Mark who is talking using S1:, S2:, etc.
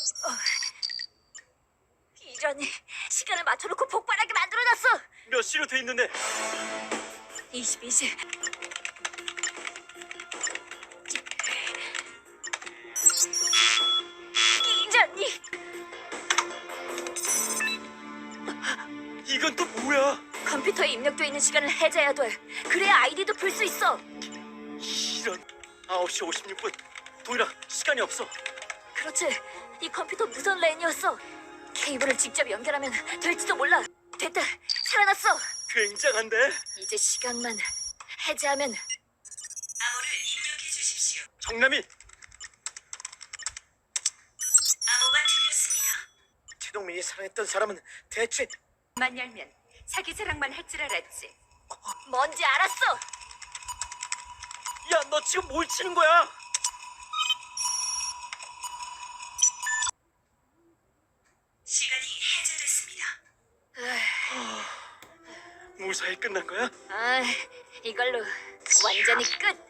S1: 이런, 시간을 맞춰놓고 폭발하게 만들어놨어.
S2: 몇 시로 돼 있는데?
S1: 22시. 이전이.
S2: 이건 또 뭐야?
S1: 컴퓨터에 입력돼 있는 시간을 해제해야 돼. 그래야 아이디도 풀 수 있어.
S2: 이런. 9시 56분. 도일아, 시간이 없어.
S1: 그렇지. 이 컴퓨터 무선 랜이었어. 케이블을 직접 연결하면 될지도 몰라. 됐다. 살아났어.
S2: 굉장한데?
S1: 이제 시간만 해제하면.
S3: 암호를 입력해 주십시오.
S2: 정남이
S3: 암호가 틀렸습니다.
S2: 최동민이 사랑했던 사람은 대체
S3: 만 열면 사기 사랑만 할 줄 알았지.
S1: 뭔지 알았어.
S2: 야, 너 지금 뭘 치는 거야?
S3: 시간이 해제됐습니다.
S2: 무사히 끝난 거야?
S1: 아, 이걸로 완전히 끝.